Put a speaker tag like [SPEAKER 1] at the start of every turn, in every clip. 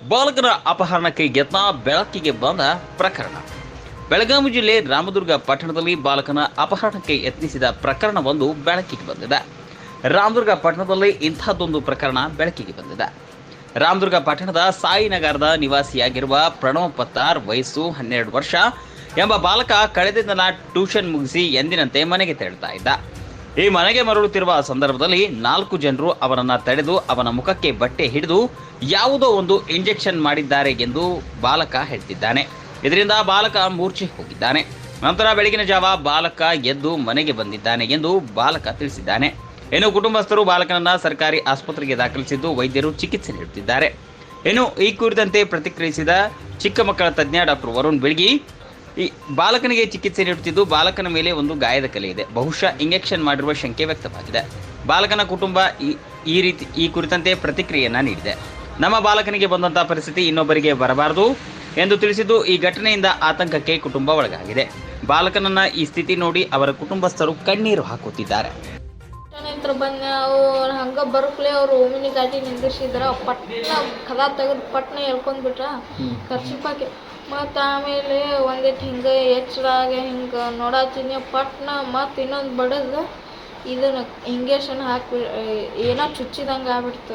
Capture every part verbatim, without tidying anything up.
[SPEAKER 1] ಬಾಲಕನ ಅಪಹರಣಕ್ಕೆ ಯತ್ನ ಬೆಳಕಿಗೆ ಬಂದ ಪ್ರಕರಣ. ಬೆಳಗಾವಿ ಜಿಲ್ಲೆ ರಾಮದುರ್ಗ ಪಟ್ಟಣದಲ್ಲಿ ಬಾಲಕನ ಅಪಹರಣಕ್ಕೆ ಯತ್ನಿಸಿದ ಪ್ರಕರಣವೊಂದು ಬೆಳಕಿಗೆ ಬಂದಿದೆ. ರಾಮದುರ್ಗ ಪಟ್ಟಣದಲ್ಲಿ ಇಂಥದ್ದೊಂದು ಪ್ರಕರಣ ಬೆಳಕಿಗೆ ಬಂದಿದೆ. ರಾಮದುರ್ಗ ಪಟ್ಟಣದ ಸಾಯಿನಗರದ ನಿವಾಸಿಯಾಗಿರುವ ಪ್ರಣವ್ ಪತ್ತಾರ್, ವಯಸ್ಸು ಹನ್ನೆರಡು ವರ್ಷ ಎಂಬ ಬಾಲಕ ಕಳೆದ ದಿನ ಟ್ಯೂಷನ್ ಮುಗಿಸಿ ಎಂದಿನಂತೆ ಮನೆಗೆ ತೆರಳುತ್ತಾ ಇದ್ದ. ಈ ಮನೆಗೆ ಮರಳುತ್ತಿರುವ ಸಂದರ್ಭದಲ್ಲಿ ನಾಲ್ಕು ಜನರು ಅವನನ್ನು ತಡೆದು ಅವನ ಮುಖಕ್ಕೆ ಬಟ್ಟೆ ಹಿಡಿದು ಯಾವುದೋ ಒಂದು ಇಂಜೆಕ್ಷನ್ ಮಾಡಿದ್ದಾರೆ ಎಂದು ಬಾಲಕ ಹೇಳ್ತಿದ್ದಾನೆ. ಇದರಿಂದ ಬಾಲಕ ಮೂರ್ಛೆ ಹೋಗಿದ್ದಾನೆ. ನಂತರ ಬೆಳಗಿನ ಜಾವ ಬಾಲಕ ಎದ್ದು ಮನೆಗೆ ಬಂದಿದ್ದಾನೆ ಎಂದು ಬಾಲಕ ತಿಳಿಸಿದ್ದಾನೆ. ಇನ್ನು ಕುಟುಂಬಸ್ಥರು ಬಾಲಕನನ್ನ ಸರ್ಕಾರಿ ಆಸ್ಪತ್ರೆಗೆ ದಾಖಲಿಸಿದ್ದು ವೈದ್ಯರು ಚಿಕಿತ್ಸೆ ನೀಡುತ್ತಿದ್ದಾರೆ. ಇನ್ನು ಈ ಕುರಿತಂತೆ ಪ್ರತಿಕ್ರಿಯಿಸಿದ ಚಿಕ್ಕ ಮಕ್ಕಳ ತಜ್ಞ ಡಾಕ್ಟರ್ ವರುಣ್ ಬೆಳಗಿ, ಈ ಬಾಲಕನಿಗೆ ಚಿಕಿತ್ಸೆ ನೀಡುತ್ತಿದ್ದು ಬಾಲಕನ ಮೇಲೆ ಒಂದು ಗಾಯದ ಕಲೆ ಇದೆ, ಬಹುಶಃ ಇಂಜೆಕ್ಷನ್ ಮಾಡಿರುವ ಶಂಕೆ ವ್ಯಕ್ತವಾಗಿದೆ. ಬಾಲಕನ ಕುಟುಂಬ ಈ ರೀತಿ ಈ ಕುರಿತಂತೆ ಪ್ರತಿಕ್ರಿಯೆಯನ್ನ ನೀಡಿದೆ. ನಮ್ಮ ಬಾಲಕನಿಗೆ ಬಂದಂತಹ ಪರಿಸ್ಥಿತಿ ಇನ್ನೊಬ್ಬರಿಗೆ ಬರಬಾರದು ಎಂದು ತಿಳಿಸಿದ್ದು, ಈ ಘಟನೆಯಿಂದ ಆತಂಕಕ್ಕೆ ಕುಟುಂಬ ಒಳಗಾಗಿದೆ. ಬಾಲಕನನ್ನ ಈ ಸ್ಥಿತಿ ನೋಡಿ ಅವರ ಕುಟುಂಬಸ್ಥರು ಕಣ್ಣೀರು ಹಾಕುತ್ತಿದ್ದಾರೆ.
[SPEAKER 2] ಬಂದ ಅವ್ರು ಹಂಗೆ ಬರೋಕ್ಲೆ ಅವ್ರು ಓಮಿನಿ ಗಾಡಿ ನಿಂದಿರ್ಸಿದ್ರ, ಪಟ್ನ ಕದ ತೆಗೆದು ಪಟ್ನ ಎಳ್ಕೊಂಡ್ಬಿಟ್ರ ಖರ್ಚಿಪಾಕಿ. ಮತ್ತು ಆಮೇಲೆ ಒಂದಿಟ್ಟು ಹಿಂಗೆ ಎಚ್ಚರಾಗ ಹಿಂಗೆ ನೋಡತ್ತೀನಿ, ಪಟ್ನ ಮತ್ತು ಇನ್ನೊಂದು ಬಡದು ಇದನ್ನು ಇಂಜೆಕ್ಷನ್ ಹಾಕಿ ಏನೋ ಚುಚ್ಚಿದಂಗೆ ಆಗ್ಬಿಡ್ತು.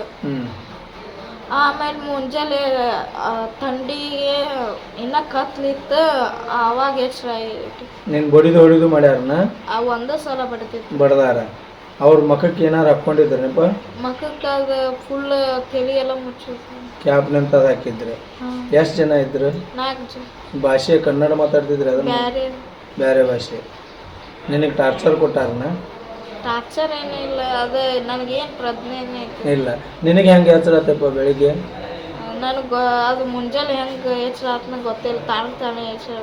[SPEAKER 2] ಆಮೇಲೆ ಮುಂಜಾನೆ ಥಂಡಿಗೆ ಇನ್ನೂ ಕತ್ಲಿತ್ತು, ಆವಾಗ ಎಚ್ಚರ ಆಯ್ತು.
[SPEAKER 3] ನೀನು ಬಡಿದು ಹೊಡಿದು ಮಾಡ್ಯಾರನ?
[SPEAKER 2] ಆ ಒಂದೇ ಸಲ ಬಡ್ತಿತ್ತು.
[SPEAKER 3] ಬಡ್ದಾರ? ಅವ್ರ ಮಖಕ್ಕೆ ಏನಾರು ಹಾಕ್ಕೊಂಡಿದ್ರನಪ್ಪ?
[SPEAKER 2] ಮಖಕ್ಕೆ ಅದು ಫುಲ್ ತಲೆ ಎಲ್ಲ ಮುಚ್ಚಿತ್ತು.
[SPEAKER 3] ಕ್ಯಾಪ್ ನಿಂತದ ಹಾಕಿದ್ರೆ ಎಷ್ಟು ಜನ ಇದ್ರು?
[SPEAKER 2] ನಾಲ್ಕು ಜನ.
[SPEAKER 3] ಭಾಷೆ ಕನ್ನಡ ಮಾತಾಡ್ತಿದ್ರೆ? ಅದನ್ನ
[SPEAKER 2] ಬೇರೆ
[SPEAKER 3] ಬೇರೆ ಭಾಷೆ. ನಿನಗೆ ಟಾರ್ಚರ್ ಕೊಟ್ಟಾರನ?
[SPEAKER 2] ಟಾರ್ಚರ್ ಏನಿಲ್ಲ, ಅದು ನನಗೇನು ಪ್ರಜ್ಞೆ
[SPEAKER 3] ಇಲ್ಲ. ನಿನಗೆ ಹೆಂಗೆ ಎಚ್ಚರ ಆತಪ್ಪ ಬೆಳಿಗ್ಗೆ?
[SPEAKER 2] ನನಗೆ ಅದು ಮುಂಜಾನೆ ಹೆಂಗೆ ಎಚ್ಚರ ಆತನ ಗೊತ್ತಿಲ್ಲ, ತಾಣ ತಾನೇ ಎಚ್ಚರ.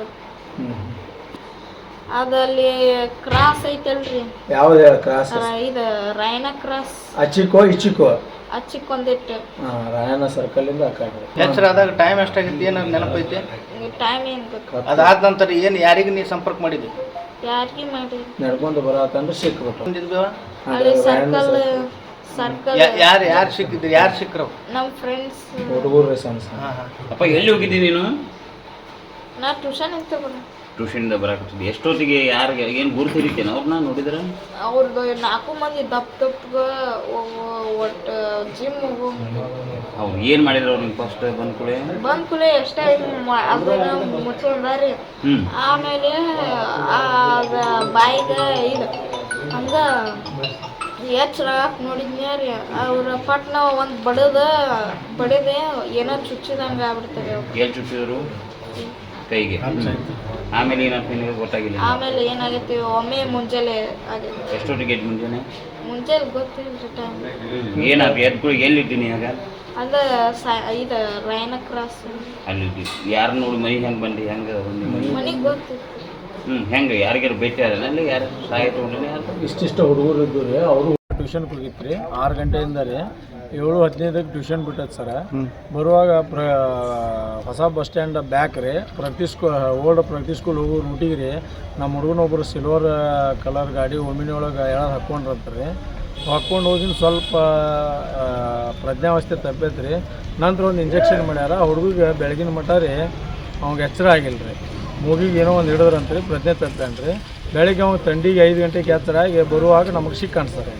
[SPEAKER 2] ಅದಲ್ಲಿ ಕ್ರಾಸ್ ಐತಲ್ರಿ?
[SPEAKER 3] ಯಾವ್ದು ಹೇಳ ಕ್ರಾಸ್?
[SPEAKER 2] ಇದು ರಾಯನ ಕ್ರಾಸ್.
[SPEAKER 3] ಅಚ್ಚಿಕೋ ಇಚ್ಚಿಕೋ?
[SPEAKER 2] ಅಚ್ಚಿಕೊಂದಿಟ್ಟು
[SPEAKER 3] ರಾಯನ ಸರ್ಕಲ್ ಇಂದ ಆ ಕಡೆ.
[SPEAKER 4] ಎಚ್ಚರ ಆದಾಗ ಟೈಮ್ ಎಷ್ಟಾಗಿತ್ತು? ಏನು ನೆನಪೈತೆ?
[SPEAKER 2] ಟೈಮ್ ಏನು ಗೊತ್ತು?
[SPEAKER 4] ಅದಾದ ನಂತರ ಏನು ಯಾರಿಗೆ ನೀವು ಸಂಪರ್ಕ ಮಾಡಿದ್ವಿ?
[SPEAKER 2] ಯಾರಿಗೆ ಮಾಡಿ
[SPEAKER 3] ನಡ್ಕೊಂಡು ಬರತ್ತಂದ್ರೆ ಸಿಕ್ಬಿಟ್ಟು
[SPEAKER 2] ಅಲ್ಲಿ ಸರ್ಕಲ್ ಸರ್ಕಲ್
[SPEAKER 4] ಯಾರು ಯಾರು ಸಿಕ್ಕಿದ್ರು? ಯಾರು ಸಿಕ್ಕರು?
[SPEAKER 2] ನಮ್ಮ ಫ್ರೆಂಡ್ಸ್
[SPEAKER 3] ಹುಡುಗರು ಸಣ್ಣ.
[SPEAKER 1] ಅಪ್ಪ ಎಲ್ಲಿ ಹೋಗಿದ್ದಿ ನೀನು?
[SPEAKER 2] ನಾ ಟ್ಯೂಷನ್ ಅಂತ ಬರ
[SPEAKER 1] ಟ್ಯೂಷನ್ದ ಬರಾಕತ್ತಿದ್ದೆ. ಎಷ್ಟೊತ್ತಿಗೆ ಯಾರಿಗೆ ಏನು ಗುರುತು ಹಿಡಿತೇನೆ ಅವ್ರನ್ನ ನೋಡಿದ್ರ?
[SPEAKER 2] ಅವ್ರದ್ದು ನಾಲ್ಕು ಮಂದಿ ದಪ್ಪ ದಪ್ಪ ಒಟ್ಟು ಜಿಮ್
[SPEAKER 1] ಅವ್ರು ಏನು ಮಾಡಿದ್ರು? ಅವ್ರು ನಿಮ್ಗೆ ಫಸ್ಟ್ ಬಂದ ಕೂಡಲೇ
[SPEAKER 2] ಬಂದ ಕೂಡಲೇ ಎಷ್ಟೇ ಅದನ್ನ ಮುಚ್ಕೊಂಡಾರಿ. ಆಮೇಲೆ ಅದು ಬಾಯಿಗೆ ಇದು ಹಂಗೆ ಎಚ್ಚರ ನೋಡಿದ್ನಿ ರೀ. ಅವ್ರ ಪಟ್ನ ಒಂದು ಬಡದ ಬಡದೆ ಏನೋ ಚುಚ್ಚಿದಂಗೆ ಆಗ್ಬಿಡ್ತಾರೆ.
[SPEAKER 1] ಎಲ್ಲಿ ಚುಚ್ಚಿದ್ರು? ಕೈಗೆ. ಆಮೇಲೆ ಏನಾಗ್ತದೆ ನಿಮಗೆ ಗೊತ್ತಾಗಿಲ್ಲ?
[SPEAKER 2] ಆಮೇಲೆ ಏನಾಗೈತಿ, ಒಮ್ಮೆ ಮುಂಜಾನೆ ಆಗೈತಿ.
[SPEAKER 1] ಎಷ್ಟೊತ್ತಿಗೆ ಮುಂಜಾನೆ?
[SPEAKER 2] ಮುಂಜಾನೆ ಗೊತ್ತಿಲ್ಲ ಟೈಮ್.
[SPEAKER 1] ಏನಾಗ ಎದ್ದು ಎಲ್ಲಿದ್ದೀನಿ ಆಗ?
[SPEAKER 2] ಅದ ಇದು ರಾಯನ ಕ್ರಾಸ್
[SPEAKER 1] ಅಲ್ಲಿ. ಯಾರು ನೋಡಿ ಮನೆ ಹೆಂಗೆ ಬಂದು ಹೆಂಗೆ
[SPEAKER 2] ಮನೆಗೆ ಗೊತ್ತಿತ್ತು.
[SPEAKER 1] ಹ್ಞೂ ಹೆಂಗೆ ಯಾರಿಗಾರು ಭೇಟಿ ಆದಲ್ಲಿ ಯಾರು ಸಹಾಯ ತೊಗೊಂಡ್ರಿ?
[SPEAKER 3] ಇಷ್ಟಿಷ್ಟ ಹುಡುಗರು ಇದ್ದು ರೀ. ಅವರು ಟ್ಯೂಷನ್ಗೆ ಹೋಗಿತ್ತು ರೀ. ಆರು ಗಂಟೆಯಿಂದ ರೀ ಏಳು ಹದಿನೈದಕ್ಕೆ ಟ್ಯೂಷನ್ ಬಿಟ್ಟೈತೆ ಸರ. ಬರುವಾಗ ಪ್ರ ಹೊಸ ಬಸ್ ಸ್ಟ್ಯಾಂಡ್ ಬ್ಯಾಕ್ ರೀ ಪ್ರಗತಿ ಸ್ಕೂ ಓಲ್ಡ್ ಪ್ರಗತಿ ಸ್ಕೂಲ್ ಹೋಗೋ ರೂಟಿಗೆ ರೀ ನಮ್ಮ ಹುಡುಗನೊಬ್ಬರು ಸಿಲ್ವರ್ ಕಲರ್ ಗಾಡಿ ಒಮಿನಿ ಒಳಗೆ ಎಳದು ಹಾಕ್ಕೊಂಡ್ರಂತ್ರಿ. ಹಾಕ್ಕೊಂಡು ಹೋಗಿನ ಸ್ವಲ್ಪ ಪ್ರಜ್ಞಾವಸ್ಥೆ ತಪ್ಪೈತೆ ರೀ. ನಂತರ ಒಂದು ಇಂಜೆಕ್ಷನ್ ಮಾಡ್ಯಾರ. ಆ ಹುಡುಗಿಗೆ ಬೆಳಗಿನ ಮಟ್ಟ ರೀ ಅವ್ಗೆ ಎಚ್ಚರ ಆಗಿಲ್ಲ ರೀ. ಮೂಗಿಗೆ ಏನೋ ಒಂದು ಹಿಡಿದ್ರಂತ್ರಿ, ಪ್ರಜ್ಞೆ ತಪ್ಪೇನು ರೀ. ಬೆಳಗ್ಗೆ ಅವ್ನು ಥಂಡಿಗೆ ಐದು ಗಂಟೆಗೆ ಎಚ್ಚರ ಆಗಿ ಬರುವಾಗ ನಮಗೆ ಸಿಕ್ಕ ಕಾಣಿಸ್ತಾರೆ.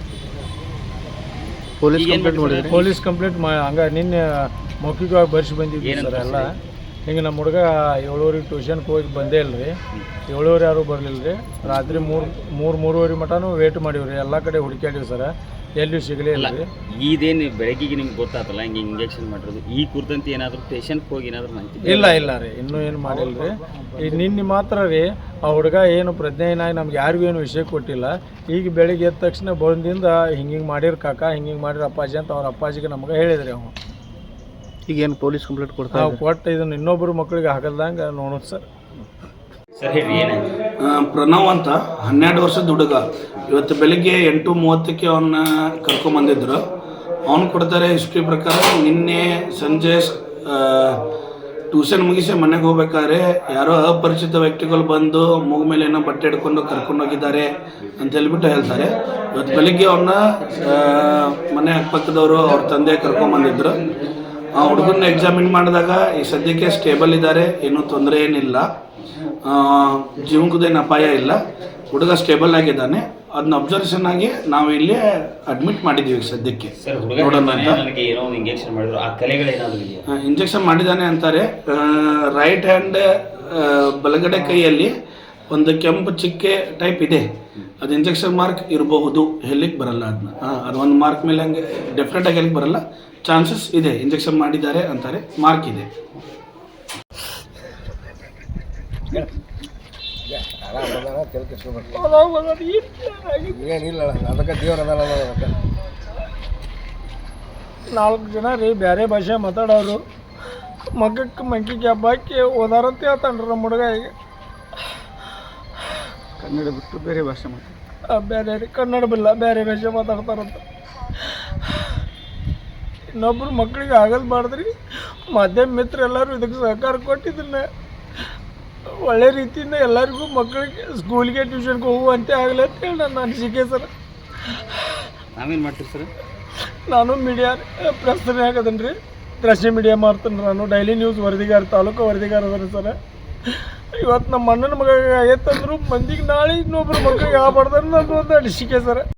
[SPEAKER 4] ಪೊಲೀಸ್ ಕಂಪ್ಲೇಂಟ್ ಮಾಡಿದ್ರಿ?
[SPEAKER 3] ಪೊಲೀಸ್ ಕಂಪ್ಲೇಂಟ್ ಮಾ ಹಂಗೆ ನಿನ್ನೆ ಮೌಖಿಕವಾಗಿ ಬರ್ಸಿ ಬಂದಿದ್ವಿ ಸರ್ ಎಲ್ಲ. ಹಿಂಗೆ ನಮ್ಮ ಹುಡುಗ ಏಳುವರೆಗೆ ಟ್ಯೂಷನ್ಗೆ ಹೋಗಿ ಬಂದೇ ಇಲ್ಲ ರೀ. ಏಳುವರೆ ಯಾರು ಬರಲಿಲ್ಲ ರೀ. ರಾತ್ರಿ ಮೂರು ಮೂರು ಮೂರುವರೆ ಮಟನೂ ವೇಟ್ ಮಾಡೀವಿ ರೀ. ಎಲ್ಲ ಕಡೆ ಹುಡುಕ್ಯಾಡಿವಿ ಸರ್, ಎಲ್ಲಿಯೂ ಸಿಗಲೇ ಇಲ್ಲ ರೀ.
[SPEAKER 1] ಇದೇನು ಬೆಳಗ್ಗೆಗೆ ನಿಮ್ಗೆ ಗೊತ್ತಾತಲ್ಲ ಹಿಂಗೆ ಇಂಜೆಕ್ಷನ್ ಮಾಡಿರೋದು, ಈ ಕುರಿತಂತೆ ಏನಾದರೂ ಪೇಷಂಟ್ಗೆ ಹೋಗಿ ಏನಾದರೂ ಮಾಹಿತಿ?
[SPEAKER 3] ಇಲ್ಲ ಇಲ್ಲ ರೀ, ಇನ್ನೂ ಏನು ಮಾಡಿಲ್ಲ ರೀ. ಈಗ ನಿನ್ನೆ ಮಾತ್ರ ರೀ ಆ ಹುಡುಗ ಏನು ಪ್ರಜ್ಞೆನಾಗಿ ನಮ್ಗೆ ಯಾರಿಗೂ ಏನು ವಿಷಯ ಕೊಟ್ಟಿಲ್ಲ. ಈಗ ಬೆಳಿಗ್ಗೆ ಎದ್ದ ತಕ್ಷಣ ಬಂದಿಂದ ಹಿಂಗೆ ಹಿಂಗೆ ಮಾಡಿರ ಕಾಕ, ಹಿಂಗೆ ಹಿಂಗೆ ಮಾಡಿರ ಅಪ್ಪಾಜಿ ಅಂತ ಅವ್ರ ಅಪ್ಪಾಜಿಗೆ ನಮ್ಗೆ ಹೇಳಿದ್ರಿ. ಅವನು
[SPEAKER 4] ಈಗ ಏನು ಪೊಲೀಸ್ ಕಂಪ್ಲೇಂಟ್ ಕೊಡ್ತಾ?
[SPEAKER 3] ನಾವು ಕೊಟ್ಟು ಇದನ್ನು ಇನ್ನೊಬ್ಬರು ಮಕ್ಕಳಿಗೆ ಹಾಕಲ್ದಂಗೆ ನೋಡೋದು ಸರ್.
[SPEAKER 1] ಸರ್ ಹೇಳಿ ಏನು?
[SPEAKER 5] ಪ್ರಣವ್ ಅಂತ ಹನ್ನೆರಡು ವರ್ಷದ ಹುಡುಗ. ಇವತ್ತು ಬೆಳಿಗ್ಗೆ ಎಂಟು ಮೂವತ್ತಕ್ಕೆ ಅವನ್ನ ಕರ್ಕೊಂಬಂದಿದ್ರು. ಅವನು ಕೊಡ್ತಾರೆ ಹಿಸ್ಟ್ರಿ ಪ್ರಕಾರ ನಿನ್ನೆ ಸಂಜೆ ಟ್ಯೂಷನ್ ಮುಗಿಸಿ ಮನೆಗೆ ಹೋಗ್ಬೇಕಾದ್ರೆ ಯಾರೋ ಅಪರಿಚಿತ ವ್ಯಕ್ತಿಗಳು ಬಂದು ಮೂಗ ಮೇಲೆ ಏನೋ ಬಟ್ಟೆ ಹಿಡ್ಕೊಂಡು ಕರ್ಕೊಂಡು ಹೋಗಿದ್ದಾರೆ ಅಂತ ಹೇಳ್ಬಿಟ್ಟು ಹೇಳ್ತಾರೆ. ಇವತ್ತು ಬೆಳಿಗ್ಗೆ ಅವನ್ನ ಮನೆ ಅಕ್ಕಪಕ್ಕದವರು ಅವ್ರ ತಂದೆ ಕರ್ಕೊಂಬಂದಿದ್ರು. ಆ ಹುಡುಗನ ಎಕ್ಸಾಮಿನ್ ಮಾಡಿದಾಗ ಈ ಸದ್ಯಕ್ಕೆ ಸ್ಟೇಬಲ್ ಇದ್ದಾರೆ, ಏನೂ ತೊಂದರೆ ಏನಿಲ್ಲ, ಜೀವನಕ್ಕೇನು ಅಪಾಯ ಇಲ್ಲ, ಹುಡುಗ ಸ್ಟೇಬಲ್ ಆಗಿದ್ದಾನೆ. ಅದನ್ನ ಅಬ್ಸರ್ವೇಷನ್ ಆಗಿ ನಾವು ಇಲ್ಲಿ ಅಡ್ಮಿಟ್ ಮಾಡಿದ್ದೀವಿ ಸದ್ಯಕ್ಕೆ. ಇಂಜೆಕ್ಷನ್ ಮಾಡಿದ್ದಾನೆ ಅಂತಾರೆ. ರೈಟ್ ಹ್ಯಾಂಡ್ ಬಲಗಡೆ ಕೈಯಲ್ಲಿ ಒಂದು ಕೆಂಪು ಚಿಕ್ಕೆ ಟೈಪ್ ಇದೆ, ಅದು ಇಂಜೆಕ್ಷನ್ ಮಾರ್ಕ್ ಇರಬಹುದು, ಹೆಲ್ಲಿಗೆ ಬರಲ್ಲ. ಅದನ್ನ ಅದು ಒಂದು ಮಾರ್ಕ್ ಮೇಲೆ ಹಂಗೆ ಡೆಫಿನೆಟ್ ಆಗಿ ಹೆಲ್ಲಿಗೆ ಬರಲ್ಲ, ಚಾನ್ಸಸ್ ಇದೆ. ಇಂಜೆಕ್ಷನ್ ಮಾಡಿದ್ದಾರೆ ಅಂತಾರೆ, ಮಾರ್ಕ್ ಇದೆ.
[SPEAKER 3] ಏನಿಲ್ಲ ಅದಕ್ಕೆ ದೇವ್ರ ಅದಕ್ಕೆ ನಾಲ್ಕು ಜನ ರೀ ಬೇರೆ ಭಾಷೆ ಮಾತಾಡೋರು ಮಗಕ್ಕೆ ಮಂಕಿ ಕ್ಯಾಬ್ ಹಾಕಿ ಓದಾರಂತ ಹೇಳ್ತಾನ್ರಿ ನಮ್ಮ ಹುಡುಗ. ಈಗ ಕನ್ನಡ ಬಿಟ್ಟು ಬೇರೆ ಭಾಷೆ ಮಾತಾಡ ಬೇರೆ ರೀ ಕನ್ನಡ ಬಿಲ್ಲ ಬೇರೆ ಭಾಷೆ ಮಾತಾಡ್ತಾರಂತ. ಇನ್ನೊಬ್ರು ಮಕ್ಳಿಗೆ ಆಗಲ್ಬಾರ್ದ್ರಿ. ಮಾಧ್ಯಮ ಮಿತ್ರ ಎಲ್ಲರೂ ಇದಕ್ಕೆ ಸಹಕಾರ ಕೊಟ್ಟಿದ್ದನ್ನ ಒಳ್ಳೆ ರೀತಿಯಿಂದ ಎಲ್ಲರಿಗೂ ಮಕ್ಕಳಿಗೆ ಸ್ಕೂಲ್ಗೆ ಟ್ಯೂಷನ್ಗೆ ಹೋಗುವಂತೆ ಆಗಲಿ ಅಂತ ಹೇಳಿ ನನ್ನ ಅನಿಸಿಕೆ ಸರ್.
[SPEAKER 1] ನಾವೇನು ಮಾಡ್ತೀವಿ ಸರ್? ನಾನು
[SPEAKER 3] ಮೀಡಿಯಾ ಪ್ರೆಸ್ನೇ ಹಾಕದನ್ ರೀ, ದೃಶ್ಯ ಮೀಡಿಯಾ ಮಾಡ್ತೀನಿ. ನಾನು ಡೈಲಿ ನ್ಯೂಸ್ ವರದಿಗಾರ, ತಾಲೂಕು ವರದಿಗಾರ ಅದನ್ನು ಸರ್. ಇವತ್ತು ನಮ್ಮ ಅಣ್ಣನ ಮಗ ಆಗೈತಂದ್ರು ಮಂದಿಗೆ ನಾಳೆ ಇನ್ನೊಬ್ರು ಮಕ್ಕಳಿಗೆ ಆಗಬಾರ್ದು ಅನ್ನೋದು ಒಂದು ಅನಿಸಿಕೆ ಸರ್.